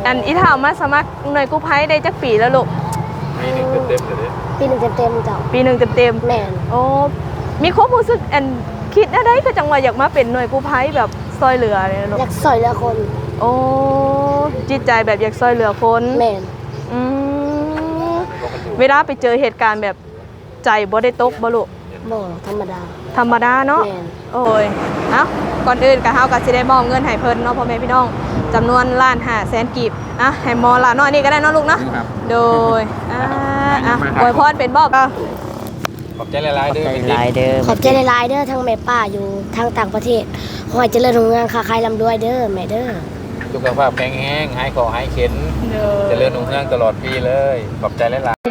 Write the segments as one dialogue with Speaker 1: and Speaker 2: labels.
Speaker 1: อันอีถามมาสมัครหน่วยกู้ภัยได้จักปีแล้วลูก
Speaker 2: ปีหนึ่งเต็มเลย
Speaker 3: ปีหนึ่งเต็มเจ้า
Speaker 1: ปีหนึ่งเต็ม
Speaker 3: แม่น
Speaker 1: โอ้มีความรู้สึกอันคิดได้ก็จังว่าอยากมาเป็นหน่วยกู้ภัยแบบซอยเหลือเนี่ยลูก
Speaker 3: อยากซอยเหลือคน
Speaker 1: โอ้จิตใจแบบอยากซอยเหลือคน
Speaker 3: แม่น
Speaker 1: เวลาไปเจอเหตุการณ์แบบใจบ่ได้ตกบ่ลูก
Speaker 3: บ่ธรรมดา
Speaker 1: เนาะโอ้ยเอ้าก่อนอื่นก็เฮาก็สิได้มอบเงินให้เพิ่นเนาะพ่อแม่พี่น้องจำนวน1,500,000 กีบให้มอละน้อยนี่ก็ได้เนาะลูกเนาะโดยอวยพรเป็นบ่ก็
Speaker 2: ขอบใจหลายๆเด้อ
Speaker 3: ขอบใจหลายๆเด้อทั้งแม่ป้าอยู่ทางต่างประเทศขอให้เจริญรุ่งเรืองค้าขายร่ำรวยเด้อแม่เด้อ
Speaker 2: สุขภาพแข็งแรงหายคอหายเข็นเจริญรุ่งเรืองตลอดปีเลยขอบใจหลาย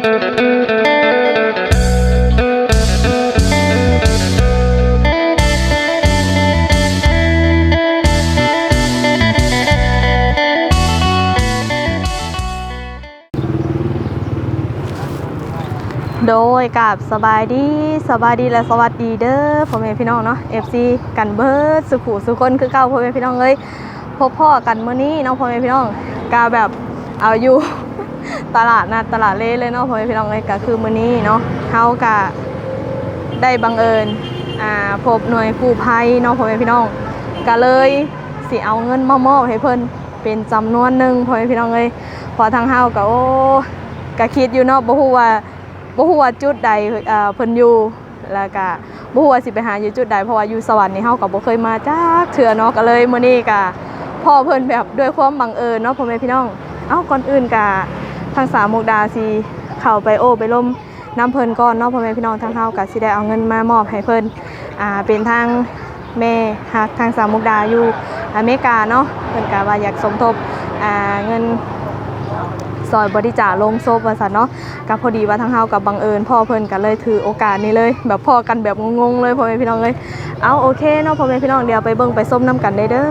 Speaker 1: โดยกับสบายดีและสวัสดีเด้อพ่อแม่พี่น้องเนาะ FC กันเบิร์ดสุขุสุคนคือเก่าพ่อแม่พี่น้องเลยพบพ่อกันมื้อนี้เนาะพ่อแม่พี่น้องกาแบบเอาอยู่ ตลาดนัดตลาดเล่เลยเนาะพ่อแม่พี่น้องเลยก็คือมื้อนี้เนาะเฮากะได้บังเอิญพบหน่วยกู้ภัยเนาะพ่อแม่พี่น้องก็เลยสิเอาเงินมามอบให้เพิ่นเป็นจำนวนหนึ่งพ่อแม่พี่น้องเลยพอทางเฮาก็โอ้ก็คิดอยู่เนาะบ่ฮู้ว่าจุดใดเพิ่นอยู่แล้วก็บ่ฮู้ว่าสิไปหาอยู่จุดใดเพราะว่าอยู่สวรรค์นี่เฮาก็บ่เคยมาจักเทื่อเนาะก็เลยมื้อนี้ก็พ่อเพิ่นแบบด้วยความบังเอิญเนาะพ่อแม่พี่น้องก่อนอื่นก็ทางสามมุกดาสิเข้าไปโอ้ไปล้มน้ำเพิ่นก่อนเนาะพ่อแม่พี่น้องทางเฮาก็สิได้เอาเงินมามอบให้เพิ่นเป็นทางแม่ฮักทางสามมุกดาอยู่อเมริกาเนาะเพิ่นก็ว่าอยากสมทบเงินซอยบริจาคลงศพว่าซั่นเนาะก็พอดีว่าทางเฮากับบังเอิญพ่อเพิ่นก็เลยถือโอกาสนี้เลยแบบพ่อกันแบบงงๆเลยพ่อแม่พี่น้องเลยโอเคเนาะพ่อแม่พี่น้องเดี๋ยวไปเบิ่งไปส้มน้ำกันได้เด้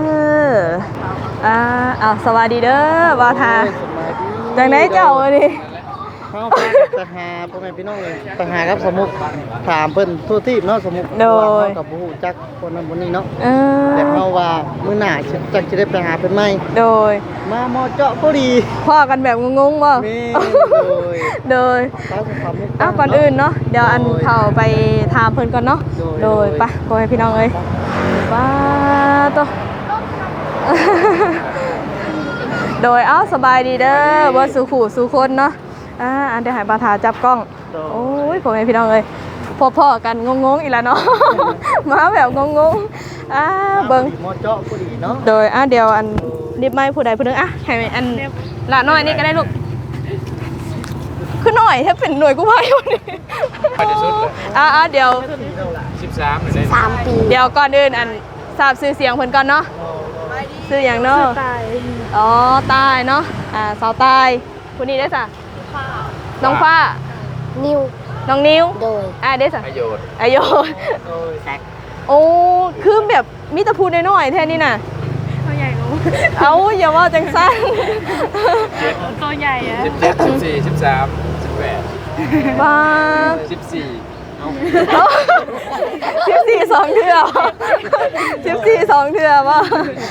Speaker 1: อสวัสดีเด้อบ่าวทาจังได๋เจ้าอันนี้
Speaker 4: เฮาไปหาพ่อแม่พี่น้องเลยไปหาครับสมุกถามเพิ่นทั่วทีเนาะสมุก
Speaker 1: โดย
Speaker 4: กับบ่ฮู้จักคนนั้นคนนี้เนาะแต่เฮาว่ามื้อหน้าจักสิได้ไปหาเพิ่นใหม่
Speaker 1: โดย
Speaker 4: มาหมอเจาะพอดี
Speaker 1: พ่อกันแบบงงๆบ่โดยก่อนอื่นเนาะเดี๋ยวอันเข้าไปถามเพิ่นก่อนเนาะโดยไปพ่อแม่พี่น้องเอ้ยว้าโตโดยสบายดีเด้อบ่สู่ขู่สู่คนเนาะอันเดี๋ยวให้บาทาจับกล้องโอ้ยพ่อแม่พี่น้องเอ้ยพ่อกันงงๆอีกแล้วเนาะมาแบบงงๆเบิ่ง
Speaker 4: หมอเจาะพอดีเนาะ
Speaker 1: โดยเดี๋ยวอันนิบไม้ผู้ใดผู้นึงให้อันละน้อยนี่ก็ได้ลูกคือหน่อยถ้าเป็นหน่วยกู้ภัยวันนี้
Speaker 2: ไปที่สุดเลย
Speaker 1: เดี๋ยว
Speaker 3: 13 ปี
Speaker 1: เดี๋ยวก่อนอื่นอันทราบชื่อเสียงเพิ่นก่อนเนาะชื่ออย่างเนาะตายเนาะสาวตายผู้นี้ได้ซะน้องฟ้าน้องนิว
Speaker 3: โดย
Speaker 1: ได้ซะ
Speaker 2: อโยด
Speaker 4: แซก
Speaker 1: โอ้คือแบบมีตะพูน้อยๆแท้นี่น่ะตัวใหญ่ลงอย่าว่าจังซั่น
Speaker 2: ตัวใหญ่อะ17 14 13 18
Speaker 1: บ้า
Speaker 2: 14
Speaker 1: 14 2เทื่อ14 2เทื่อบ่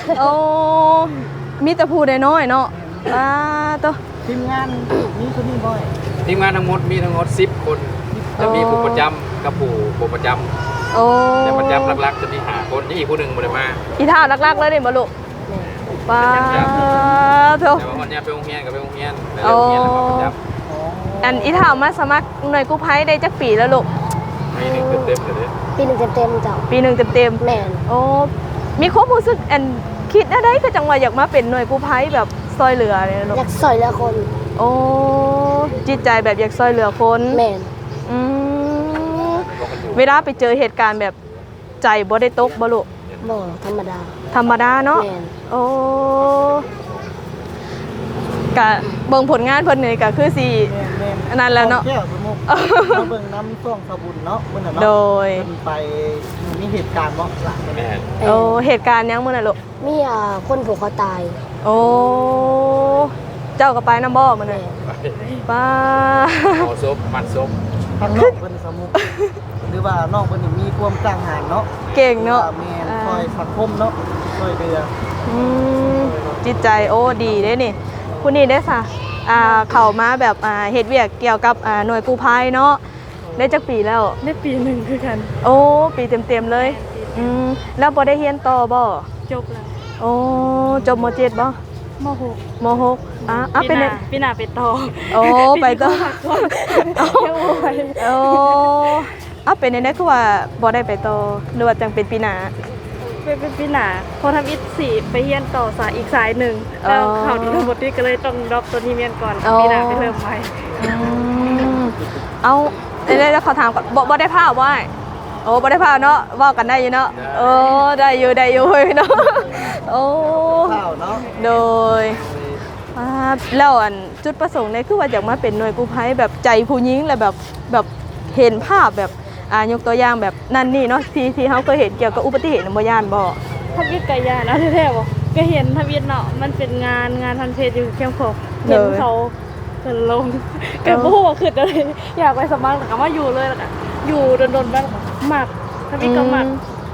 Speaker 1: มีตะพูน้อยๆเนาะตัว
Speaker 4: ทีมงานมีคนนี้บ่อย
Speaker 2: ทีมงานทั้งหมดมีทั้งหมด10 คนจะมีผู้ประจำกับผู้ประจำแต่ประจำหลักๆจะมี5 คนนี่อีกผู้หนึ่งบ่ได้มา
Speaker 1: อีท่าหลักๆเลยนี่บ่ลูกป้าโธ่
Speaker 2: แต่ว่าวันนี้ไปโรงเรียนกับไปโรงเรียนไปโรงเรียนแล้วก็ประจำ
Speaker 1: อันอีท่ามาสมัครหน่วยกู้ภัยได้จักปีแล้วลูก
Speaker 2: ปีหนึ่งเต็มเลย
Speaker 3: ปีหนึ่งเต็มเจ้า
Speaker 1: ปีหนึ่งเต็ม
Speaker 3: แม่น
Speaker 1: มีความรู้สึกอันคิดได้ก็จังว่าอยากมาเป็นหน่วยกู้ภัยแบบซอยเหลือเนี่ยลูก
Speaker 3: อยากซอยเหลือคน
Speaker 1: จิตใจแบบอยากซอยเหลือคน
Speaker 3: แม่น
Speaker 1: เวลาไปเจอเหตุการณ์แบบใจบ่ได้ตกบ่ลูก
Speaker 3: บ่ธรร
Speaker 1: มดาเนาะกะเบิ่งผลงานเพิ่นนี่ก็คือสิอันนั้นแล้วเนาะ
Speaker 4: เบิ่งน้ำช่วงสบุญเนาะมื้อนั้น
Speaker 1: โดย
Speaker 4: ไปมีเหตุการณ์บ่ล่ะ
Speaker 2: แม่
Speaker 1: เหตุการณ์ยังมื้อนั้นลูก
Speaker 3: มีคนผูกคอตาย
Speaker 1: เจ้าก็ไปนำบ่มื้อนั้นป้า
Speaker 2: เอาซบมัดซบ
Speaker 4: ทางน้องเพิ่นสมุกหรือว่าน้องเพิ่นมีความกล้าหาญเนาะ
Speaker 1: เก่งเนาะ
Speaker 4: แม่นคอยสังคมเนาะคอยเดือ
Speaker 1: จิตใจดีเด้นี่ผู้นี้ได้ซะเข้ามาแบบเฮ็ดเวียกเกี่ยวกับหน่วยกู้ภัยเนาะได้จักปีแล้ว
Speaker 5: ได้ปีหนึ่งคือกัน
Speaker 1: โอ้ปีเต็มๆเลยแล้วบ่ได้เรียนต่อบ่
Speaker 5: จบแล้ว
Speaker 1: โอ้จบม .7 บ่
Speaker 5: ม .6
Speaker 1: ม .6 เป็น
Speaker 5: ปีหน้าไปต่อ
Speaker 1: โอ้ไปต่อ
Speaker 5: ยังโอ้ย
Speaker 1: โอ้เป็นได้คือว่าบ่ได้ไปต่อหรือว่าจังเป็นปีหน้า
Speaker 5: เป็นปีหน้าพอทำอิฐสี่ไปเรียนต่อสายอีกสายหนึ่งแล้วเขาทั้งหมดนี่ก็เลยต้องดรอปตัวนี้เรียนก่อนปีหน้าไปเริ่มใหม่
Speaker 1: เอาได้แล้วเขาถามก่อนบ่ได้พาบ่โอ้บ่ได้พาเนาะเว้ากันได้อยู่เนาะโอ้ได้อยู่เฮ้ยเนาะโอ้
Speaker 4: ข้าวเนาะ
Speaker 1: โดยแล้วอันจุดประสงค์เนี่ยคือว่าอยากมาเป็นหน่วยกู้ภัยแบบใจผู้หญิงและแบบเห็นภาพแบบยกตัวอย่างแบบนั่นนี่เนาะที่เขาเคยเห็นเกี่ยวกับอุบัติเหตุในบ่ย่านบ่
Speaker 5: ทำอิฐไก่ย่างนะแท้ๆบอกก็เห็นทำอิฐเนาะมันเป็นงานทันเพจอยู่เข้มข้นเห็นเขาเกินลงแกพูดว่าขึ้นอะไรอยากไปสมัครแต่ก็มาอยู่เลยแล้วก็อยู่โดนๆบ้างหมักทำอิฐก็หมัก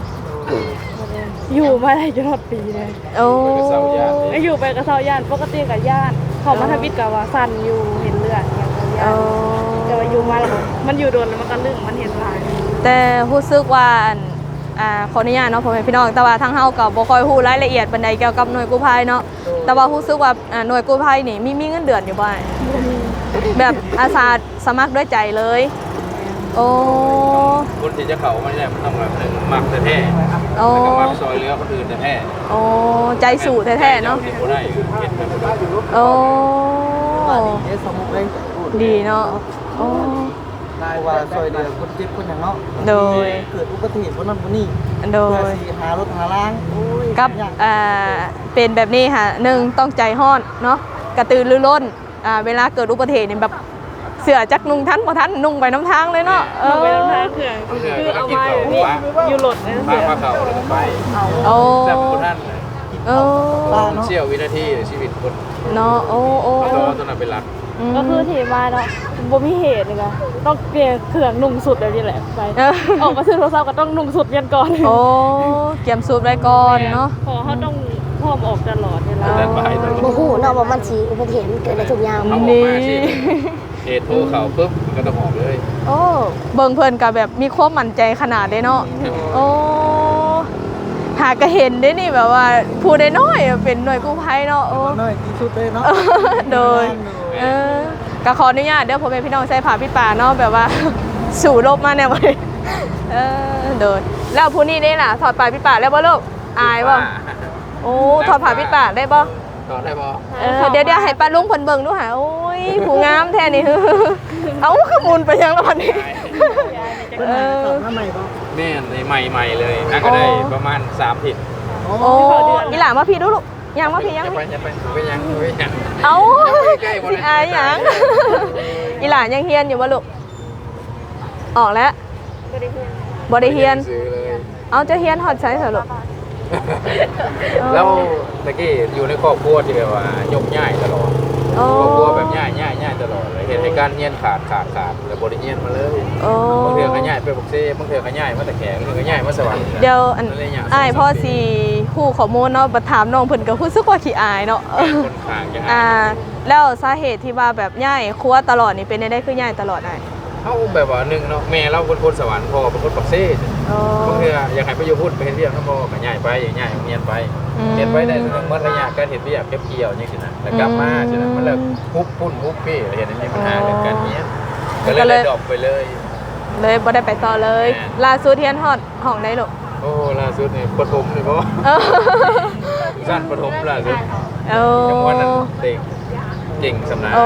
Speaker 5: อยู่มาได้จนหมดปีเลย
Speaker 1: โอ้
Speaker 5: ก็อยู่ไปกับเซาย่านปกติกับย่านเขามาทำอิฐกับว่าสั่นอยู่เห็นเลือดอย่างเงี้ยแต่ว่าอยู่มาแล้วมันอยู่โดนแล้วมันก็ลึกมันเห็นลาย
Speaker 1: แต่รู้สึกว่าขออนุญาตเนาะพ่อแม่พี่น้องแต่ว่าทางเฮาก็บ่ค่อยฮู้รายละเอียดปานใดเกี่ยวกับหน่วยกู้ภัยเนาะแต่ว่ารู้สึกว่าหน่วยกู้ภัยนี่มีเงินเดือนอยู่บ่แบบอาสาสมัครด้วยใจเลยโอ้
Speaker 2: คนที่จะเข้ามาเนี่ยมันต้องแบบหนึ่งมักแท้ๆ
Speaker 1: โอ้
Speaker 2: แล้วก็มักซอยเหลือคนอื่นแท้
Speaker 1: โอ้ใจสู่แท้ๆเนาะ
Speaker 2: เห็นบ่ได้เห็นไปบ่ได้
Speaker 1: โอ้
Speaker 4: ว่าดีสมุกเลย
Speaker 1: ดีเนาะโอ้
Speaker 4: นายว่าซอยเดือคนเจ็บคนอย่างเนาะ
Speaker 1: โดย
Speaker 4: เกิดอุบัติเหตุคนนั้นคนนี้
Speaker 1: โด
Speaker 4: เพื่อย สิหารถหาล้างโอ้ย
Speaker 1: กับ
Speaker 4: ยาก
Speaker 1: เป็นแบบนี้ค่ะหนึ่งต้องใจห้อนเนาะกระตือรือร้นเวลาเกิดอุบัติเหตุเนี่ยแบบเสือจักนุ่งทันบ่ทันนุ่งไปน้ำทางเลยเนาะ
Speaker 5: ลงไปน้ำทางเขื่อนคือเอามาอยู่หลดนะ
Speaker 2: พาเข้าแล้วก็ไป
Speaker 1: โอ้
Speaker 2: แซ่บคนนั้น
Speaker 1: โอ้
Speaker 2: เชี่ยววินาทีชีวิตคน
Speaker 1: เนาะโอ้
Speaker 2: ตัวนั้นเป็นหลัก
Speaker 5: ก็คือที่มาเนาะบ่มีเหตุเลยนะต้องเปลี่ยนเครื่องนุ่งสุดเลยนี่แหละไปออกมาซื้อโทรศัพท์ก็ต้องนุ่งสุดยันก่อน
Speaker 1: โอ้เกียมสูบไว้ก่อนเนาะ
Speaker 5: พอเขาต้องพร้อมออกตลอดเวลา
Speaker 2: เดินไปตลอ
Speaker 3: บ่
Speaker 2: ด
Speaker 3: ฮู้เนาะว่ามันสิอุบัติเหตุมันเกิดได้ทุกอย่าง
Speaker 2: เอาออกมาสิเหตุโทรเข่าปุ๊บมันก็ต้องออกเลย
Speaker 1: โอ้เบิ่งเพิ่นก็แบบมีความมั่นใจขนาดเด้เนาะโอ้หากก็เห็นได้นี่แบบว่าผู้ได้น้อยเป็นหน่วยกู้ภัยเนาะโอ้
Speaker 4: น้อยที่สุดเลยเนาะ
Speaker 1: โดยก็ขออนุญาตเดี๋ยวผมเป็นพี่น้องใช้ผ่าพี่ป่าเนาะแบบว่า สู่รบมาเนี่ยวันโดยแล้วผู้นี้นี่ล่ะถอดปลายพี่ป่าแล้วบ่ลูกอายบ่โอ้ถอดผ่าพี่ป่าได้บ่
Speaker 2: ต่อได้บ่
Speaker 1: เดี๋ยวให้ป้าลุงเพิ่นเบิ่งดูหาโอ้ยผู้งามแท้นี่ เอ้าขมุนไปยังแล้ววันนี้
Speaker 4: ตอบมาใหม่บ่
Speaker 2: แม่ในใหม่ๆเลยน่าก็ได้ประมาณ3 ผิด
Speaker 4: โอ้
Speaker 1: โอ้อีหล่ามาพี่ดูลูกยังมาพี่ยัง
Speaker 2: ไปยัง
Speaker 1: เอ้า
Speaker 2: ใกล้ๆบ่
Speaker 1: สิอายหยังอีหล่ายังเฮียนอยู่บ่ลูกออกแล้วบ่ได้เฮียน
Speaker 2: ซื้อเลย
Speaker 1: เอาจะเฮียนฮอดใช้เหรอลูก
Speaker 2: แล้วตะกี้อยู่ในครอบครัวที่แบบว่ายกง่ายตลอด
Speaker 1: โอ้
Speaker 2: ครอบครัวแบบง่ายตลอดเลยเหตุการณ์เงียนขาดแล้วบริเงียนมาเลย
Speaker 1: โอ้
Speaker 2: บางเทื่อก็ง่ายไปบกเซ่บางเทื่อก็ง่ายมาแต่แขกบางเทื่อก็ง่ายมาสวรรค์
Speaker 1: เดี๋ยวอ้ายพ่อสิฮู้ข้อมูลเนาะบัดถามน้องเพิ่นก็รู้สึกว่าขี้อายเนาะ
Speaker 2: คนข้างยังไง
Speaker 1: แล้วสาเหตุที่ว่าแบบย้ายครัวตลอดนี่เป็นได้คือย้ายตลอดอ้าย
Speaker 2: เขาแบบว่าหนึ่งเนาะแม่เราเป็นคนสวรรค์พ่อเป็นคนปักเซ่
Speaker 1: อ๋อบ
Speaker 2: างเทื่ออยากให้ไปอยู่พูดไปเฮ็ดเรียกเขาบอกก็ง่ายไปง่ายเงียนไปเงียนไปได้เมื่อระยะการเฮ็ดเรียกเก็บเกี่ยวจังซี่นะแล้วกลับมาจังนั้นมันเลิกฮุบพุ่นฮุบพี่เห็นมีปัญหาเรื่องการเงียนก็เลยดรอปไปเลย
Speaker 1: เลยบ่ได้ไปต่อเลย ล่าสุดเฮียนฮอดห้องได้ลูก
Speaker 2: โอ้ล่าสุดนี่ปฐมนี่บ่ สั้นปฐมล่าสุด
Speaker 1: โอ้
Speaker 2: จังหวะนั้นเก่งสำนาญ
Speaker 1: โอ้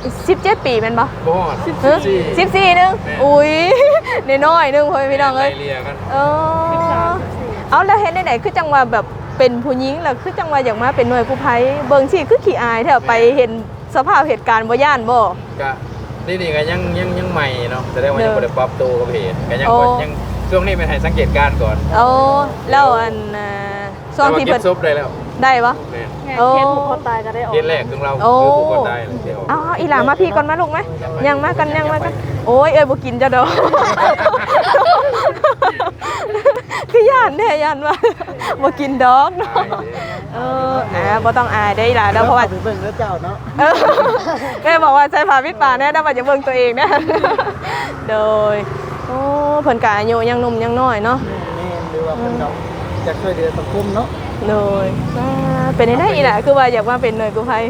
Speaker 1: 17 ปีแม่นบ่
Speaker 2: บ่
Speaker 1: 14นึงอุ้ยน้อยๆนึงพ่อพี่น้องเอ้ย
Speaker 2: เรียกัน
Speaker 1: เอาแล้วเฮ็ดได้ไหนคือจังว่าแบบเป็นผู้หญิงแล้วคือจังว่าอยากมาเป็นหน่วยกู้ภัยเบิ่งสิคือขี้อายแท้ไปเห็นสภาพเหตุการณ์บ่ย่านบ่
Speaker 2: ก็นี่ก็ยังใหม่เนาะแสดงว่ายังบ่ได้ปรับตัวกับเหตุก็ยัง
Speaker 1: โอ้
Speaker 2: ยังช่วงนี้เป็นให้สังเกตการณ์ก่อน
Speaker 1: เอาแล้วอันช่วงที่
Speaker 2: เพิ่
Speaker 1: เพิ่
Speaker 2: น
Speaker 1: น
Speaker 2: ซบได้แล้ว
Speaker 1: ได้บ่
Speaker 2: แม่น
Speaker 5: เคสผูกคอตายก็ได้ออก
Speaker 2: เคสแรกของเรา
Speaker 1: โอ้
Speaker 2: คือผู้คนได้เลยเดี๋ยว
Speaker 1: เอาอีหลามาพี่ก่อนมาลูกไหมยังมากันโอ้ยเอ้ยบ่กินจ้ะดอกคือย่านแน่ย่านว่าบ่กินดอกเนาะบ่ต้องอายได้ล่ะเนาะเพราะว่า
Speaker 4: ไปเบิ่งแล้วเจ้าเนาะ
Speaker 1: แม่บอกว่าใช้ผ้าปิดปากแน่ได้ว่าจะเบิ่งตัวเองนะโดยโอ้เพิ่นก็อายุยังหนุ่มยังน้อยเนาะ
Speaker 4: แม่หรือว่าเพิ่นเนาะอยากช่วยเหลือสังคมเนาะ
Speaker 1: โดยเป็นได้อีหล่ะคือว่าอยากมาเป็นหน่วยกู้ภัย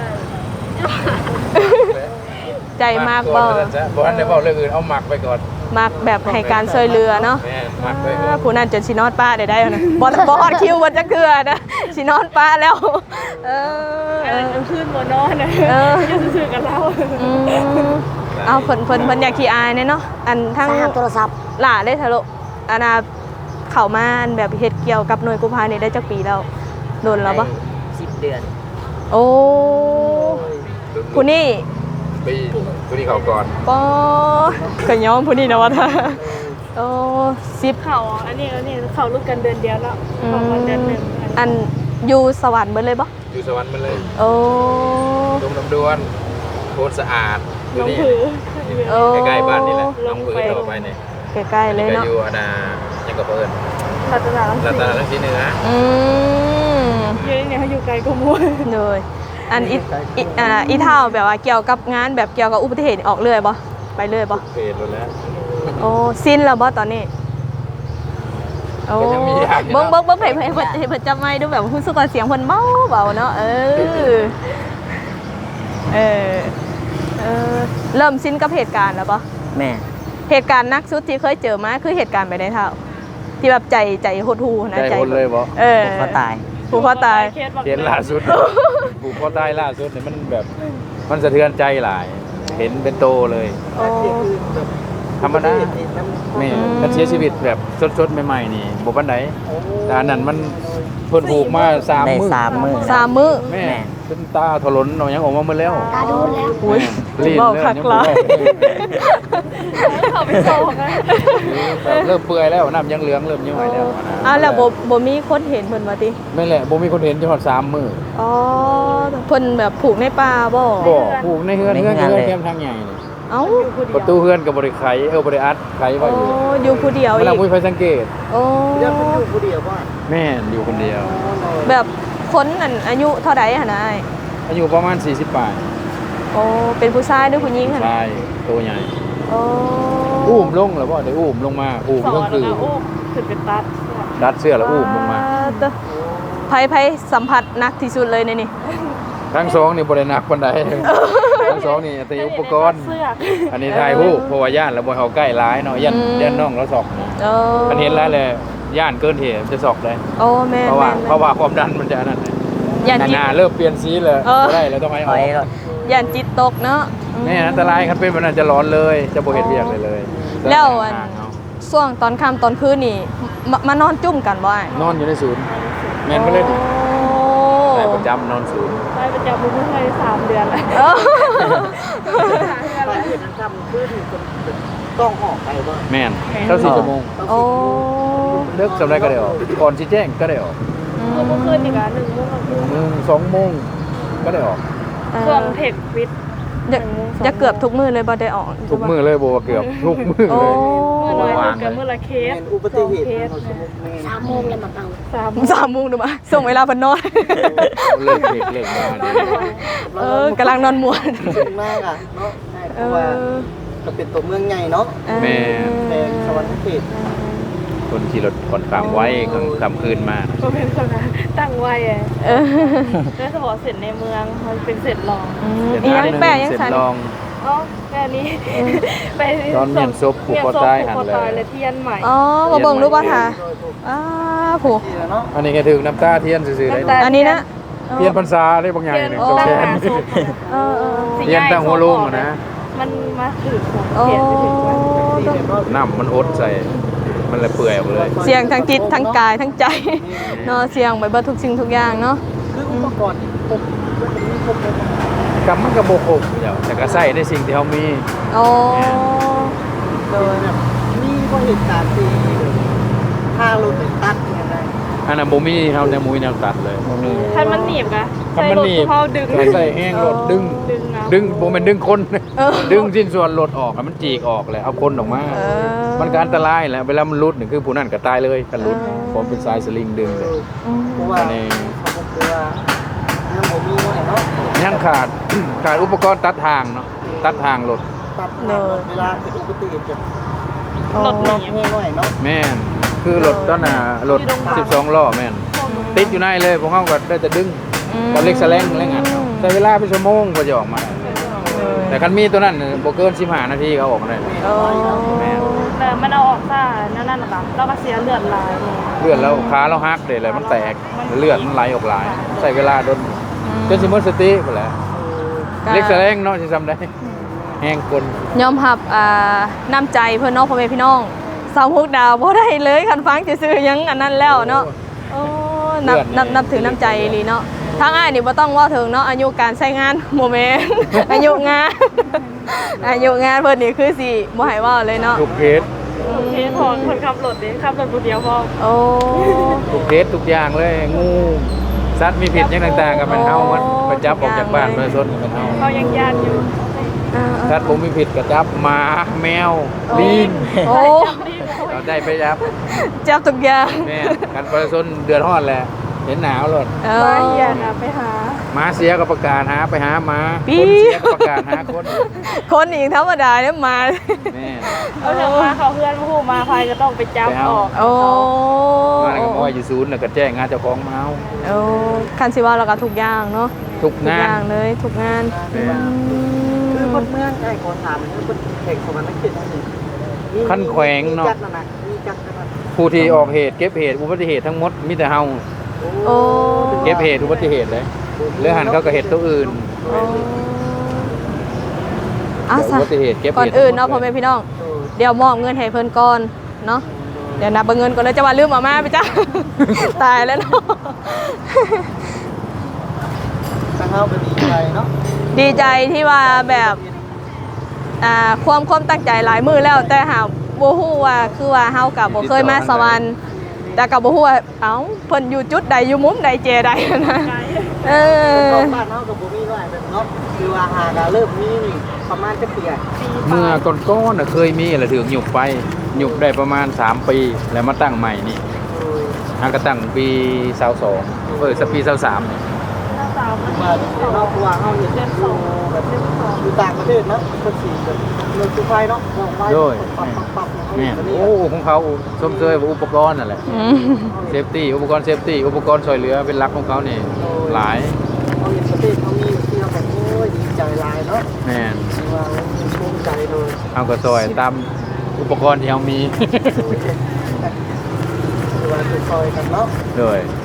Speaker 1: ใจมากบ่
Speaker 2: บ่ทันได้เว้าเรื่องอื่นเอาหมักไปก่อน
Speaker 1: มักแบบให้การช่วยเหลือเนาะ
Speaker 2: แม่หมักไปก่อน
Speaker 1: ผู้นั้นจนสินอนป้าได้นะบ่ฮอดคิวบ่จักเทื่อนะสินอนป้าแล้ว
Speaker 5: กลางคืนบ่นอนนะอยู่ซื่อๆกับเรา
Speaker 1: เอาเพิ่นอยากขี้อายเนาะอันทั้ง
Speaker 3: สามโทรศัพท์
Speaker 1: หล่าได้ทะลุอันน่ะเข้ามาแบบเฮ็ดเกี่ยวกับหน่วยกู้ภัยนี่ได้จักปีแล้วโดนแล้วบ่
Speaker 6: 10 เดือน
Speaker 1: โอ้ผู้นี้
Speaker 2: ปีผู้ที่เขาก่อน
Speaker 1: ปอก็ยอมผู้นี้นะว่าท่าโอ้10
Speaker 5: เขาอันนี้เขาลูกกันเดือนเดียวแล้วของวันเดือนหนึ่ง
Speaker 1: อันอยู่สวรรค์เบิดเลยบ่
Speaker 2: อยู่สวรรค์มันเลย
Speaker 1: โอ้
Speaker 2: ดงน้ำดวนโคตรสะอาด
Speaker 5: น้องผือ
Speaker 2: ใกล้ๆบ้านนี่แหละน้องผือต่อไปเนี่ย
Speaker 1: ใกล้ๆเลย
Speaker 2: ก็
Speaker 1: เนาะ
Speaker 2: อยู่อนายังกับเพิ่น
Speaker 5: รัตนา
Speaker 2: รัตนลังสีเหนือ
Speaker 5: เยอะเนี่ยเขาอยู่ไกลกว่ามัว
Speaker 1: เลยอันอีเท่าแบบว่าเกี่ยวกับงานแบบเกี่ยวกับอุบัติเหตุออกเรื่อยบ่ไปเรื่อยบ่
Speaker 2: เพจแล้ว
Speaker 1: โอ้สิ้นแล้วบ่ตอนนี้โอ้
Speaker 2: ก็ยังมีอย่างอยู่
Speaker 1: เบิ่ง
Speaker 2: เนาะ
Speaker 1: เบิ่งให้เพิ่นจับไมค์ดูแบบรู้สึกว่าเสียงเพิ่นเบาเนาะเริ่มสิ้นกับเหตุการณ์แล้วบ่
Speaker 6: แม่
Speaker 1: เหตุการณ์หนักสุดที่เคยเจอมาคือเหตุการณ์ไปในเท่าที่แบบใจหดหูนะ
Speaker 2: ใจคนเลยบ่
Speaker 6: ก็ตาย
Speaker 1: ผูกคอตาย
Speaker 2: เห็นล่าสุดผูกคอตายล่าสุดเนี่ยมันแบบมันสะเทือนใจหลาย เห็นเป็นโตเลย
Speaker 1: โอ้
Speaker 2: ธรรมดาแม่การเสียชีวิตแบบสดๆใหม่ๆนี่บ่ปานใดแต่อันนั้นมันเพิ่นผูกมา3
Speaker 6: ได้
Speaker 2: มื้อ
Speaker 6: 3 มื้อ
Speaker 1: 3 มื้อ
Speaker 2: แม่เป็นตาถลนเนาะยังออกมาหมดแล้ว
Speaker 3: ตาดูแล้ว
Speaker 1: อุ้ย
Speaker 2: ลีน
Speaker 1: เบา
Speaker 2: เลย
Speaker 1: คัก
Speaker 2: ยัง
Speaker 1: หลาย
Speaker 5: เขาไปโซ่กัน
Speaker 2: แบบเริ่มเปื่อยแล้วน้ำยังเหลืองเริ่มย่อยแล้วนะ
Speaker 1: อ้าวแล้วบ่มีคนเห็นเพิ่นว่าติ
Speaker 2: ไม่แหละบ่มีคนเห็นจนฮอด3 มื้อ
Speaker 1: อ๋อเพิ่นแบบผูกในป่าบ่
Speaker 2: บ่ผูกในเฮือนแคมทางใหญ่นี่
Speaker 1: เอ้า
Speaker 2: ประตูเฮือนก็บ่ได้ไขบ่ได้อัดไขไว้
Speaker 1: โอ้
Speaker 2: อยู่
Speaker 1: อยู่ผู้เดียว
Speaker 2: เว
Speaker 1: อี
Speaker 2: ลาก มุ้ยไปสังเกต
Speaker 1: โอ้
Speaker 4: เดี๋ยวเพิ่นอยู่ผู้เดียวบ่
Speaker 2: แม่นอยู่คนเดียว
Speaker 1: แบบคนนั่นอายุเท่าใดหั่นน่ะ
Speaker 2: อายุประมาณ40ปลาย
Speaker 1: โอ้เป็นผู้ชายหรือผู้หญิงหั่น
Speaker 2: ชายตัวใหญ่
Speaker 1: โอ้
Speaker 2: อุ้มลงแล้วบ่ได้อุ้มลงมาอุ้ม
Speaker 5: สอ
Speaker 2: ก็
Speaker 5: น
Speaker 2: คือ
Speaker 5: แล้วโอ้ขึ้นเป็นตัด
Speaker 2: ดัดเสื้อแล้วอุ้มลงมา
Speaker 1: ไผสัมผัสหนักที่สุดเลยในนี่
Speaker 2: ทั้งสองนี่บ่ได้หนักปานใดทั้งสองนี่แต่อุปกรณ์
Speaker 5: เสื้อ
Speaker 2: อันนี้ถ่ายรูปเพราะว่าย่านแล้วบ่ให้เอาใกล้หลายเนาะย่านน้องเราสอก
Speaker 1: โอ้
Speaker 2: อันเห็นแล้วเลยย่านเกินเหตุจะสอกเลย
Speaker 1: โอ้แม่
Speaker 2: เพราะว่า
Speaker 1: แม่
Speaker 2: เพราะว่าความดันมันจะอันนั้น
Speaker 1: ย่านจิต
Speaker 2: หน้าเริ่มเปลี่ยนสีเลย
Speaker 1: เออ
Speaker 2: บ่ได้แล้วต้องให้
Speaker 6: ถ
Speaker 2: ออ
Speaker 6: อย
Speaker 2: ก
Speaker 6: รถ
Speaker 1: ย่านจิตตกเนาะ
Speaker 2: แม่อันตรายคันเป็นแบบนั้นจะร้อนเลยจะบ่เห็นเวียกเลย
Speaker 1: แล้วอัน
Speaker 2: ห่างเอา
Speaker 1: ช่วงตอนค่ำตอนคืนนี่มานอนจุ่มกันบ่อ้าย
Speaker 2: นอนอยู่ในศูนย์แม่นก็เลย
Speaker 1: โอ้
Speaker 2: ได้ประจำนอนศูนย์
Speaker 5: ไปประจำมือให้3 เดือนแล้ว
Speaker 1: เออ
Speaker 4: ไปเฮ็ดทำขึ้นต้องออกไปบ่
Speaker 2: แม่นเท่า4ชั่วโมง
Speaker 1: โอ้
Speaker 2: เลิกสำไรก็ได้ออกก่อนสิแจ้งก็ได้ออก
Speaker 5: เมื่อคืนอีกอ่ะ1 โมงกับ
Speaker 2: 2 โมงก็ได้ออก
Speaker 5: ช่วงเทควิท
Speaker 1: จะเกือบทุกมื้อเลยบ่ได้ออก
Speaker 2: ทุกมื้อเลยบ่ว่าเกือบทุกมื้อ
Speaker 1: โอ้
Speaker 2: เลย
Speaker 5: เมื่อน้อยกับเมื่อละเคส
Speaker 4: แม่นอุบัติเหตุ
Speaker 5: เคส
Speaker 3: 3 โมงเลยมาเป่า
Speaker 1: 3 โมงดูมาส่งเวลาเพิ่นนอน
Speaker 2: เลิกเด็กเลิกมาเด้อ
Speaker 1: กำลังนอนม่วน
Speaker 4: สูงมากอ่ะเนาะเพราะว่าก็เป็นตัวเมืองใหญ่เนาะ
Speaker 2: แม่
Speaker 4: แม่สวรรค์เขต
Speaker 2: คนขี่รถก่อนข้ามไว้กลางคืนมา
Speaker 5: ก็เป็นคนนะตั้งไว้อะ
Speaker 1: เออ
Speaker 5: แล้วสมอเสร็จในเมืองมันเป็นเสร็จรอง
Speaker 1: อีหยังแปะยัง
Speaker 2: เสร็จ
Speaker 1: สั่น
Speaker 2: ลอง
Speaker 5: อ๋อแค่นี้ไป
Speaker 2: ตอนเมียนซบผูกคอตายหันเลย
Speaker 5: ผูกคอตายเลยเทียนใหม่
Speaker 1: อ๋อบ่เบิ่งรู้บ่ท่าผู้
Speaker 4: ที่เนาะ
Speaker 2: อันนี้ก็ถึงน้ำตาเทียนซื่อๆเลย
Speaker 1: อันนี้นะ
Speaker 2: เทียนพรรษาได้บางอย่าง
Speaker 5: เทียน
Speaker 2: หนึ่ง
Speaker 5: ตั้ง
Speaker 2: โอเค
Speaker 5: หาศพ
Speaker 1: เออ
Speaker 2: เทียนตั้งหัวโลุงนะ
Speaker 5: มันมาถือของ
Speaker 1: โอ้
Speaker 5: เทียนไปถึงวัน
Speaker 2: น้ำมันอดใส่ มันเลยเปื่อยออกเลย
Speaker 1: เสียงทั้งจิตทั้งกายทั้งใจเนาะเสียงไปเบิดทุกสิ่งทุกอย่างเนาะ
Speaker 4: คืออุปกรณ์ครบมีครบเลย
Speaker 2: กำมันก็โบกบเดี๋ยวแต่ก็ใส่ในสิ่งที่เขามี
Speaker 1: โอ้
Speaker 4: โดยแบบมีก็เหตุการณ์ที่ถ้ารถตัดยังไง
Speaker 2: อันนั้นบ่มีเฮาแนวมุ้ยแนวตัดเลย
Speaker 4: บ่มี
Speaker 5: คันมันหนีบกะ
Speaker 2: คันมันหนีบ
Speaker 5: ใส่รถเขาดึง
Speaker 2: ใส่แห้งรถดึง
Speaker 5: เอา
Speaker 2: ดึงบ่แม่นดึงคน
Speaker 1: เออ
Speaker 2: ดึงสิ้นส่วนรถออกอะมันจีกออกเลยเอาคนออกมา
Speaker 1: เออ
Speaker 2: มันก็อันตรายแหละเวลามันรุดนี่คือผู้นั้นก็ตายเลยกันรุด
Speaker 1: อ๋อ
Speaker 2: ผมเป็นสายสลิงดึงเลย
Speaker 4: เพราะว่า
Speaker 2: อันนี้
Speaker 4: เขาบอกว่ายังบ่มีน้อยเนาะ
Speaker 2: ยังขาด ขาดอุปกรณ์ตัดทางเนาะตัดทางรถ
Speaker 4: ตัดเวลาเกิดอุบัติเหตุจะ
Speaker 5: รถห
Speaker 4: ร
Speaker 5: นี
Speaker 4: ถ
Speaker 5: บ
Speaker 4: แห้งน้อยเนาะ
Speaker 2: แม่นคือรถตอนน่ะรถ
Speaker 5: อยู่โรงพยาบาล
Speaker 2: 12ล้อแม่นติดอยู่ในเลยพวกเขาก็ได้แต่ดึงกับเล็กแสลงอะไรเงี้ยใช้เวลาเป็นชั่วโมงกว่าจะออกมา แต่คันมีตัวนั้นน่ะบ่เกิน15นาทีเขาออกมาได้
Speaker 1: โอ้
Speaker 2: แม่น
Speaker 5: แต่มันเอาออกซ่านั่นน่ะค่ะเราก็เสียเลือดหลาย
Speaker 2: เลือดแล้วขาเราหักเลยเลยมันแตกเลือดมันไหลออกหลาย ใช้เวลาโดนจนสิหมดสติไปแล้วเล็กแสลงเนาะสิจำได้แห้งคน
Speaker 1: ยอมรับน้ำใจเพื่อนเน้องพ่อแม่พี่น้องสาวมุกดาวบ่ได้เลยคันฟังซื่อๆยังอันนั้นแล้วเนาะโอ้นับถือน้ำใจอีหลีเนาะทางอ้ายนี่บ่ต้องเว่าถึงเนาะอายุการใช้งานโมเมนต์ อายุงาน อายุงานเพิ่นนี่คือสิบ่ให้เว้าเลยเนาะ
Speaker 2: ทุกเคส
Speaker 5: โอเคพอคนขับรถดิขับรถคนเดียวพอ
Speaker 1: โอ้
Speaker 2: ทุกเคสทุกอย่างเลยงูสัตว์มีพิษอย่างต่างๆกับมันเฮามันไปจับออกจากบ้านไปซนกับมันเฮา
Speaker 5: เขายังญาติอยู่
Speaker 2: สัตว์ผมมีพิษก็จับหมาแมวลิง
Speaker 1: โอ้
Speaker 2: เราได้ไปจับ
Speaker 1: จับทุกอย่าง
Speaker 2: แม่กันไปซนเดือดร้อนแหละเห็นหนาวเลย
Speaker 1: เอ
Speaker 5: มา
Speaker 1: อ
Speaker 5: เฮียนะไปหา
Speaker 2: หมาเสียก็ประกาศหาไปหาหมา
Speaker 1: ปี๊
Speaker 2: คนเสียก็ประกาศหาคน
Speaker 1: คนอีกธรรมดาเนี่ยมา
Speaker 2: แม่
Speaker 5: เอาเถอะมาเขาเพื่อนผู้มาภัยก็ต้องไปจับออก
Speaker 1: โอ้
Speaker 2: มาแล้วก็มอยอยู่ศูนย์แล้วก็แจ้งงานเจ้าของมาเอา
Speaker 1: โอ้คันสิว่าเราก็ทุกอย่างเนาะ
Speaker 2: ทุก
Speaker 1: ทุก
Speaker 2: งา
Speaker 1: อน ย่างเลยทุกงาน
Speaker 2: แม่
Speaker 4: คือคนเมืองไอ้คนถามมันคือเด็กของมันไม่คิดนี่
Speaker 2: ขั้นแขวงเนาะ
Speaker 4: จักนั่นน่ะมีจักนั่นน่ะ
Speaker 2: ผู้ที่ออกเหตุเก็บเหตุอุบัติเหตุทั้งหมดมีแต่เฮา
Speaker 1: โอ้
Speaker 2: เก็บเหตุอุบัติเหตุเลยหรือหันเขาก็เหตุตัวอื่น
Speaker 1: อ่ะ
Speaker 2: อุ
Speaker 1: ซะ
Speaker 2: บัติเหตุเก็บเหตุ
Speaker 1: ก่อนอื่นเนาะพ่อแม่พี่น้อง เดี๋ยวมอบเงินให้เพิ่นก่อนเนาะเดี๋ยวนับเงินก่อนเลยจะว่าลืมเอามาไปจ้ะ ตายแล้วเนาะ
Speaker 4: ทางเฮาก็ดีใจเนาะ
Speaker 1: ดีใจที่ว่าแบบความตั้งใจหลายมือแล้ว แต่หาบ่ฮู้ว่าคือว่าเฮากับบ่เคยมาสวรรค์แต่กับบ่ฮู้ว่าเอ้าเพิ่นอยู่จุดใดอยู่มุมใดเจใดนะเออ
Speaker 4: บ้านเฮาก็บ่มีน้อยแบบเนาะคือว่าหาก็เริ่มมีนี่ประมาณจะเปียก
Speaker 2: เมื่อก่อนๆน่ะเคยมีอะไรถึงหยุบไปหยุบได้ประมาณ3ปีแล้วมาตั้งใหม่นี่หากระตั้งปี22สักปี23เนี่ย
Speaker 5: สาวมัน
Speaker 4: มาเนาะคือว่าเฮาเห็นอยู่แบบอยู่ต่างประเทศเนาะเพิ่นสิแบบเรื่องสุไฟเนาะลงไปปับๆๆ
Speaker 2: แม่โอ้ของเขาชมเชยว่าอุปกรณ์นั่นแหละ
Speaker 1: อืม
Speaker 2: เซฟตี้อุปกรณ์เซฟตี้อุปกรณ์ช่วยเหลือเป็นหลักของเขานี่หลาย
Speaker 4: เขาเห็นประเทศเขามีที่เราแบบโอ้ยดีใจหลายเนาะ
Speaker 2: แม่น
Speaker 4: คือว่าภูมิใจเลย
Speaker 2: เอาก็ซอยตามอุปกรณ์ที่เขามี
Speaker 4: คือว่าจะซอยกันเนาะ
Speaker 2: เลย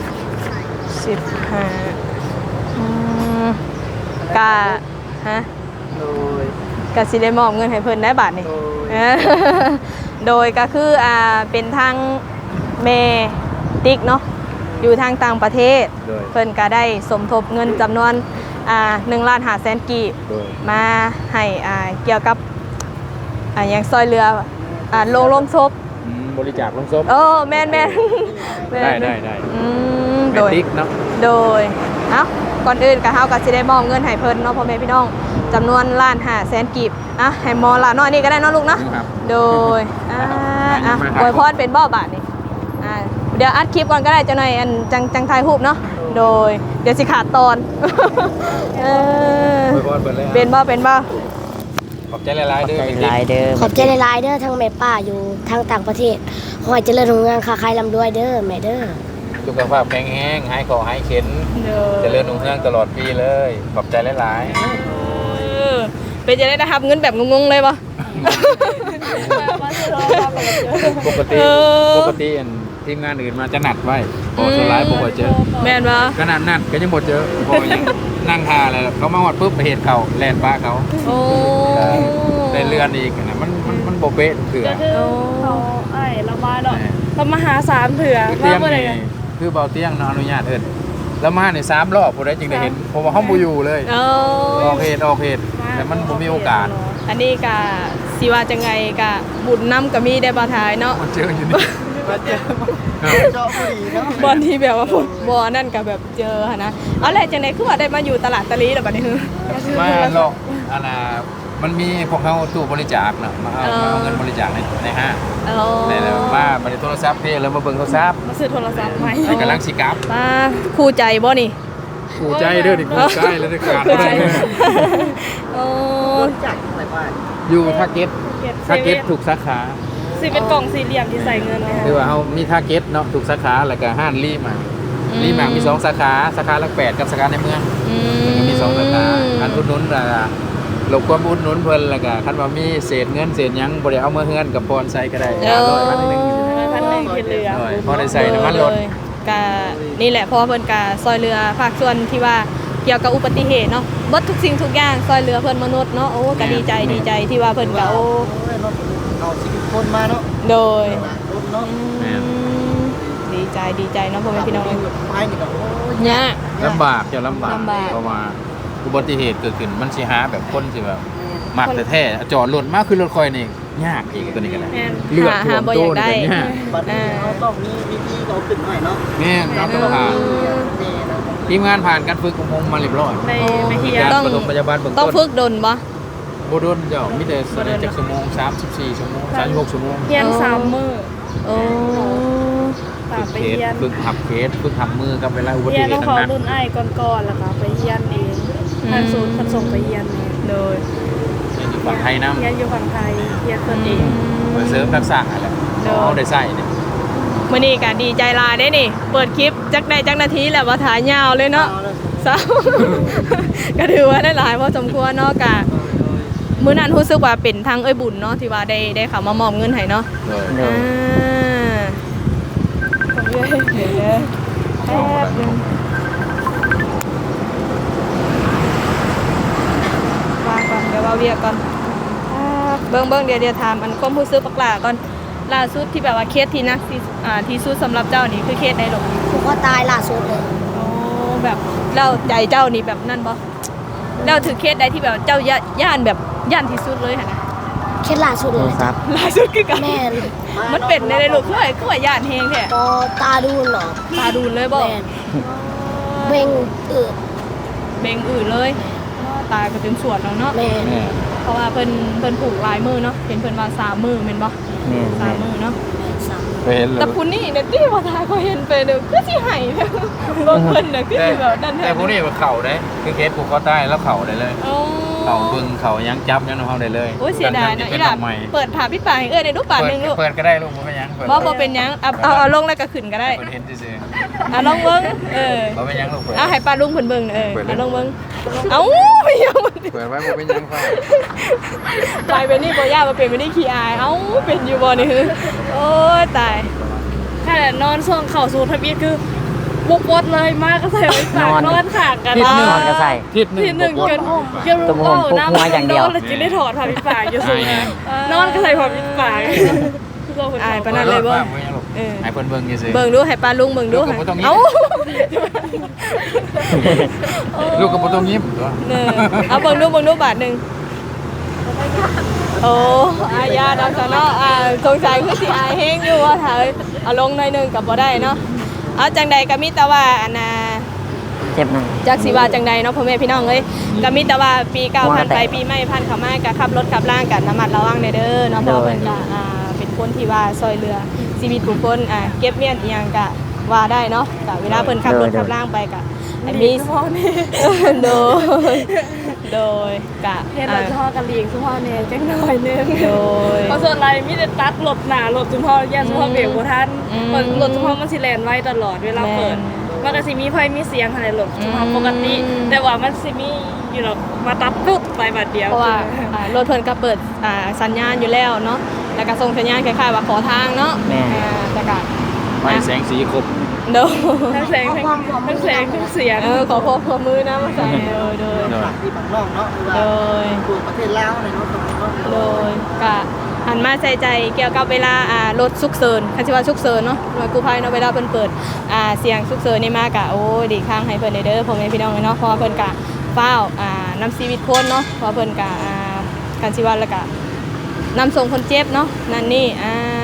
Speaker 1: 15อืมกะฮะ
Speaker 4: โดย
Speaker 1: กะสิได้มอบเงินให้เพิ่นได้บาทนี่
Speaker 4: โดย
Speaker 1: เออ โดยก็คือเป็นทางเมติ๊กเนาะอยู่ทางต่างประเทศ
Speaker 2: โดย
Speaker 1: เพิ่นก็ได้สมทบเงินจำนวน1,500,000 กีบ
Speaker 2: โดย
Speaker 1: มาให้เกี่ยวกับอย่างซอยเรือโรงศพ
Speaker 2: บริจาคลงศพ
Speaker 1: โอ้แม่นแม่นแม่น
Speaker 2: ได้
Speaker 1: อืม
Speaker 2: แม
Speaker 1: โดย
Speaker 2: ติกเนาะ
Speaker 1: โดยเอ้าก่อนอื่นก็เฮาก็สิได้มอบเงินให้เพิ่นเนาะพ่อแม่พี่น้องจำนวน1,500,000 กีบให้หมอละน้อยนี่ก็ได้เนาะลูกเนาะ
Speaker 2: ครับ
Speaker 1: โดย
Speaker 2: มาครับ
Speaker 1: อวยพรเป็นบ่อบาทนี่เดี๋ยวอัดคลิปก่อนก็ได้จังหน่อยอันจังถ่ายรูปเนาะโดยเดี๋ยวสิขาดตอน เออ
Speaker 2: อวยพรเปิดเลย
Speaker 1: เป็นบ่
Speaker 2: ขอบใจหลายๆเด้อ
Speaker 4: หลายเด้อ
Speaker 3: ขอบใจหลายๆเด้อทั้งแม่ป้าอยู่ทางต่างประเทศขอให้เจริญรุ่งเรืองค้าขายร่ำรวยเด้อแม่เด้อ
Speaker 2: สุขภาพแข็งแรงหายคอหายเข็น
Speaker 1: โด
Speaker 2: เจริญรุ่งเรืองตลอดปีเลยขอบใจหลาย
Speaker 1: เป็นจะได้รับเงินแบบงงๆเลยบ่
Speaker 5: มาเจอเราไปเจอ
Speaker 2: ๆปกติ
Speaker 1: เออ
Speaker 2: ปกติอันทีมงานอื่นมาจะหนัดไว้พอสุดท้ายบ่ค่อยเจอ
Speaker 1: แม่นบ่
Speaker 2: ขนาดนั้นก็ยังบ่เจอพอยังนั่งทาเลยเขามาฮอดปุ๊บไปเห็นเขาแล่นป้าเขา
Speaker 1: โอ้
Speaker 2: ได้เรือนอีกนะมันบ่เป๊ะเถื่อ
Speaker 5: ก็คือเขาไอ้เรามาเนาะเรามาหา3เถื่อ
Speaker 2: คือเตียง
Speaker 5: ว่าบ่ได้
Speaker 2: นี่คือเบาเตียงเนาะอนุญาตเอิ้นแล้วมาเนี่ย3รอบผู้ใดจึงได้เห็นเพราะว่าเฮาบ่อยู่เลย
Speaker 1: โอ้
Speaker 2: ออกเหตุแต่มันบ่มีโอกาส
Speaker 1: อันนี้ก็สิว่าจังไงก็บุญนำก็มีได้บ่ทายเนาะ
Speaker 2: มันเจออยู่นี่
Speaker 4: มาเจอเจาะผู้ดีเนาะ
Speaker 1: บอลที่แบบว่าบอลนั่นกับแบบเจอหั่นนะเอาแหละจังได๋คือว่าได้มาอยู่ตลาดตะลีแล้วบัดนี้
Speaker 2: มาหลอกอันน่ะมันมีพวกเขาตู้บริจาคเนาะมาเอาเงินบริจาคในห้าง
Speaker 1: อ๋อ
Speaker 2: ได้แล้วมาบัดนี้โทรศัพท์พี่แล้วมาเบิ่งโทรศัพท์
Speaker 5: มาซื้อโทรศัพท์ใหม่
Speaker 2: นี่กำลังสิกลับ
Speaker 1: ป้าคู่ใจบ่นี่
Speaker 2: กูใจเด้อดิกูใจแล้วได้การบ่ได้
Speaker 1: โอ้
Speaker 4: จากไหนมา
Speaker 2: อยู่ทาร์เก็ต
Speaker 5: เซ
Speaker 2: ทาร์
Speaker 5: เว่
Speaker 2: เก็ต
Speaker 5: น
Speaker 2: ถูกสาขา
Speaker 5: สิเป็นกล่องสี่เหลี่ยมที่ใส่เงินเลยค่ะ
Speaker 2: คือว่าเฮามีทาร์เก็ตเนาะถูกสาขาแล้วก็ห้านรีมารีมามี2สาขาสาขาหลัก8กับสาขาในเมือง ก็มี2สาขาอันอุดหนุนหลบความอุดหนุนเพิ่นแล้วก็คันว่ามีเศษเงินเศษหยังบ่ได้เอามาเฮือนกับพรใส่ก็ได้100พันนึง
Speaker 5: 1,100ที่เหลือ
Speaker 2: พอได้ใส่น้ำมันรถ
Speaker 1: กะนี่แหละเพราะว่าเพิ่นกะซอยเรือภาคส่วนที่ว่าเกี่ยวกับอุบัติเหตุเนาะเบิดทุกสิ่งทุกอย่างซอยเรือเพิ่นมนุษย์เนาะโอ้ก็ดีใจที่ว่าเพิ่นก็โอ้
Speaker 4: เอาชีวิตคนมาเนาะ
Speaker 1: โดย
Speaker 4: รถเนาะ
Speaker 1: ดีใจเนาะพ่อแม่พี่น้อง
Speaker 4: ไปนี่ก็โอ้ย
Speaker 1: เนี่ย
Speaker 2: ลำบากจะลำบาก
Speaker 1: ลำบาก
Speaker 2: เพราะว่าอุบัติเหตุเกิดขึ้นมันสิหาแบบคนที่แบบมักแต่แท้จอดรถมาคือรถคอยนี่ยากอีกตัวนี้ก็ได้
Speaker 5: แม่น
Speaker 2: เลือดท่วมโตนี่ก็ยาก
Speaker 4: บัดนี้เขาต้องมีวิธีเราขึ้นหน่อยเนาะ
Speaker 2: แม่นครับต้องผ่านทีมงานผ่านการฝึกของผมมาเรียบร้อย
Speaker 5: ไปเฮีย
Speaker 2: การ
Speaker 1: ต้อง
Speaker 2: ปฐมพยาบาลเบื้อง
Speaker 1: ต้อง
Speaker 2: ต้น
Speaker 1: ฝึกดนบ่
Speaker 2: บ่โดนเจ้ามีแต่จากชั่วโมง34ชั่วโมง36ชั่วโมง
Speaker 5: เฮียน3 มื้อ
Speaker 1: โอ้
Speaker 5: ตามไป
Speaker 2: เคส
Speaker 5: เฮียน
Speaker 2: ฝึกหับเคสฝึกหับมือกับเวลาอุบัติ
Speaker 5: เฮียน
Speaker 2: เห
Speaker 5: ต้อ
Speaker 2: ตุ
Speaker 5: งขอ
Speaker 2: ต่าง
Speaker 5: รุ่นอ้ายก่อนๆแล้วก็ไปเฮียนเองทางศูนย์ส่งไปเฮียนเอง
Speaker 1: โดย
Speaker 2: ๆอยู่ฝั่งไทยน้ำ
Speaker 5: เฮียนอยู่ฝั่งไทยเฮียนตัวเอง
Speaker 2: มาเสริมทักษะอะไรเอาได้ใส่เนี่ย
Speaker 1: มื้อนี้ก็ดีใจหลายเด้นี่ เปิดคลิปจักได้จักนาทีแล้วบ่ถ่ายยาวเลยเนาะ สาว ก็ถือว่าได้หลายพอสมควรเนาะกะมื้อนั้นรู้สึกว่าเป็นทางเอ้ยบุญเนาะที่ว่าได้เข้ามามอบเงินให้เนาะ
Speaker 2: เลย
Speaker 1: ผมเลยเดี๋ยวเลยแป๊บนึงวางก่อนเดี๋ยวว่าเวียก่อนเบิ่งเดี๋ยวถามอันความรู้สึกปักหลาก่อนล่าสุดที่แบบว่าเคสที่นักที่สุดสำหรับเจ้านี่คือเคสใดหรอ
Speaker 3: ผูกคอตายล่าสุดเลย
Speaker 1: โอ้แบบแล้วใจเจ้านี่แบบนั่นบ่แล้วถือเคสใดที่แบบเจ้าย่านแบบย่านที่สุดเลยหั่นนะ
Speaker 3: เคล็ดล่าสุดเลย
Speaker 1: ล่าสุดคือกัน
Speaker 3: แม่น
Speaker 1: มันเป็นในลูกคือว่าย่านเฮงแท้
Speaker 3: ก็ตาดูนเนาะ
Speaker 1: ตาดูนเลยบ่
Speaker 3: แม่นเบ่งอืด
Speaker 1: เบ่งอื่นเลยตายก็จนสวดแล้วเนาะ
Speaker 3: แม่น
Speaker 1: เพราะว่าเพิ่นผูกลายมือเนาะเห็นเพิ่นว่า3 มือแม่นบ่3 มือเนาะ
Speaker 2: ไปเห็นเล
Speaker 1: แต่
Speaker 2: ย
Speaker 1: ผู้นี้เนี่ยที่ว่าทายก็เห็นไปเด้อคือสิให้เด้อบ่เพิ่นน่ะคือสิแบบนั่น
Speaker 2: แต่พวกนี้เข่าได้คือเคสผูกคอใต้แล้วเข่าได้เลย
Speaker 1: โอ้
Speaker 2: เข่าบึงเข่ายังจับยังเอาได้เลย
Speaker 1: โอ้ยเสียดายเนาะ
Speaker 2: เป็
Speaker 1: อี
Speaker 2: น
Speaker 1: หล่ะ
Speaker 2: ทำไม
Speaker 1: เปิดผ่าพี่ปากให้ได้รูปปากนึงลูก
Speaker 2: เปิดก็ได้ลูกมันไม่ยัง
Speaker 1: บ่เป็นหยังเอาลงแล้วก็ขึ้นก็ได้
Speaker 2: เปิดเห็นซื่อ
Speaker 1: ลองเบิ่ง
Speaker 2: บ่เป็นยังลูกเปิด
Speaker 1: เอาให้ป้าลุงเพิ่นเบิ่งเอาลองเบิ่งเอ้าไม่ยอม
Speaker 2: เปิดไว้บ่เป็นยังค่ะ
Speaker 1: กลายเป็นนี่บ่ย่ามาเป็นไม่ได้ขี้อายเอ้าเป็นอยู่บ่นี่โอ้ยตาย
Speaker 5: ถ้านอนช่วงเข่าสู่ทะเบียนคือบุกบดเลยมากก็ใส่ไว้ปากนอนขากกัน
Speaker 2: ทิศหนึ่ง
Speaker 6: นอนก็ใส่
Speaker 2: ทิศหนึ่ง
Speaker 5: ที่หนึ่งจน
Speaker 6: ตัวผมพกหัวอย่างเดียว
Speaker 5: แล้วจิได้ถอดผ่าปิดปากอยู่สูงนอนก็ใส่ผ่าปิดปาก
Speaker 1: อายปานนั้นเลยบ่
Speaker 2: ให้เพิ่นเบิ่งซื่อ
Speaker 1: เบิ่งดูให้ป้าลุงเบิ่งดู
Speaker 2: ลูกก็บ่ต้องยิ้ม
Speaker 1: เอ้า
Speaker 2: ลูกก็บ่ต้องยิ้มตัว
Speaker 1: เอาเบิ่งดูบาทหนึงโอ้อายาดอกซะเนาะสงสัยคือสิอายแฮงอยู่ว่าถ้าเอาลงหน่อยหนึงก็บ่ได้เนาะเอาจังใดก็มีแต่ว่าอันน่ะ
Speaker 6: เจ็บหน่อย
Speaker 1: จักสิว่าจังใดเนาะพ่อแม่พี่น้องเอ้ยก็มีแต่ว่าปีเก่าผ่านไปปีใหม่ผ่านเข้ามาก็ขับรถขับล่างกันระมัดระวังเด้อเนาะเพราะเพิ่นก็เป็นคนที่ว่าซอยเรือชีวิตผู้คนเก็บเมียนอีหยังก็ว่าได้เนาะก็เวลาเพิ่นขับรถขับล่างไปก็อันนี้โดยกะ
Speaker 5: เห็นรถพ่อกับเลียงสุพ่อเนี่ยจังหน่อยนึง
Speaker 1: โดย
Speaker 5: เพราะส่วนไรมีแต่ตัดรถหนารถสุพ่อแย่สุพ่อเบรกบ่ทันรถสุพ่อมันสิแล่นไว้ตลอดเวลาเปิดมันก็สิมีไฟมีเสียงอะไรรถสุพ่อปกติ แต่ว่ามันสิมีอยู่หรอกมาตัดปุ๊บไปบาดเดียว
Speaker 1: เพราะว่ารถเพิ่นก็เปิดสัญญาณอยู่แล้วเนาะแล้วก็ส่งสัญญาณคล้ายๆว่าขอทางเนาะแต่ก็
Speaker 2: ไฟแสงสีครบ
Speaker 1: โดย
Speaker 5: ทั้งแสงทั้งแสงทั้งเสียง
Speaker 1: ขอพอมือนะมาใส่โดย
Speaker 4: ฝากที่บางร่องเนาะหรือว่า
Speaker 1: โดย
Speaker 4: ตัวประเทศลาวในเนาะตรงนี้เนาะ
Speaker 1: โดยกะหันมาใส่ใจเกี่ยวกับเวลารถฉุกเฉินคันสิว่าฉุกเฉินเนาะหน่วยกู้ภัยเนาะเวลาเพิ่นเปิดเสียงฉุกเฉินนี่มากะโอ้ดีข้างให้เพิ่นเด้อพ่อแม่พี่น้องเนาะเพราะว่าเพิ่นกะฟ้าวนำชีวิตคนเนาะเพราะเพิ่นกะคันสิว่าแล้วกะนำส่งคนเจ็บเนาะนั่นนี่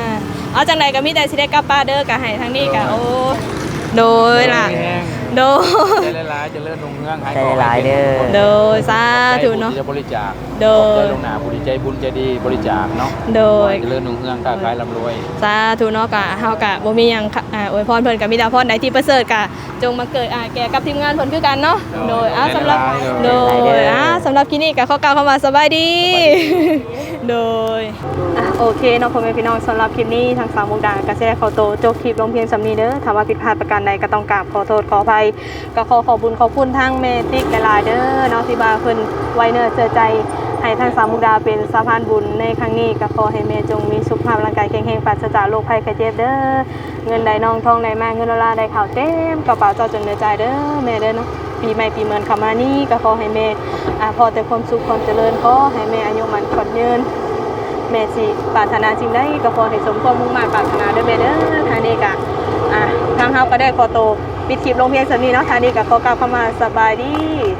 Speaker 1: เอาจังใดก็มีแต่สิได้กลับป้านเด้อก็ให้ทางนี้ก็โอ้โดยล่ะโดย
Speaker 2: ใจหลายๆจะเลื่อนลงเมือง
Speaker 6: ใจหลายเด้อ
Speaker 1: โดยสาธุเนาะ
Speaker 2: จะบริจาค
Speaker 1: โดย
Speaker 2: ใจลงหนาผู้ใจบุญใจดีบริจาคเนาะ
Speaker 1: โดย
Speaker 2: จะเลื่อนลงเมืองค้าขายร่ำรวย
Speaker 1: สาธุเนาะกะเฮากะบ่มีหยังอวยพรเพิ่นกะมีแต่พรใดที่ประเสริฐกะจงมาเกิดแก่กับทีมงานเพิ่นคือกันเนาะโดยสำหรับโดยสำหรับคลิปนี้ก็ขอกล่าวคำว่าสบายดีโดยโอเคเนาะพ่อแม่พี่น้องสำหรับคลิปนี้ทางสาวมุกดาก็สิได้ขอตัวจบคลิปลงเพียงสำนี้เด้อถ้าว่าผิดพลาดประการใดก็ต้องกราบขอโทษขออภัยก็ขอบุญขอบคุณทางแม่ติ๊กหลายๆเด้อเนาะที่ว่าเพิ่นไว้เนื้อเชื่อใจให้ทางสาวมุกดาเป็นสะพานบุญในครั้งนี้ก็ขอให้แม่จงมีสุขภาพร่างกายแข็งแรงปราศจากโรคภัยไข้เจ็บเด้อเงินใดน้องทองใดมาเงินดอลลาร์ใดข่าวเต็มกระเป๋าเจ้าจนเหนือใจเด้อแม่เด้อเนาะปีใหม่ปีเหมือนเข้ามานี่ก็ขอให้แม่พอแต่ความสุขความเจริญขอให้แม่อายุมันขอดยืนแม่สิปรารถนาจริงได้ก็ขอให้สมความมุ่งมั่นปรารถนาเด้อแม่เด้อทางนี้ก็ทางเฮาก็ได้ขอโตวปิดคลิปลงเพียงเท่านี้เนาะทางนี้ก็ขอกล่าวคำว่าสบายดี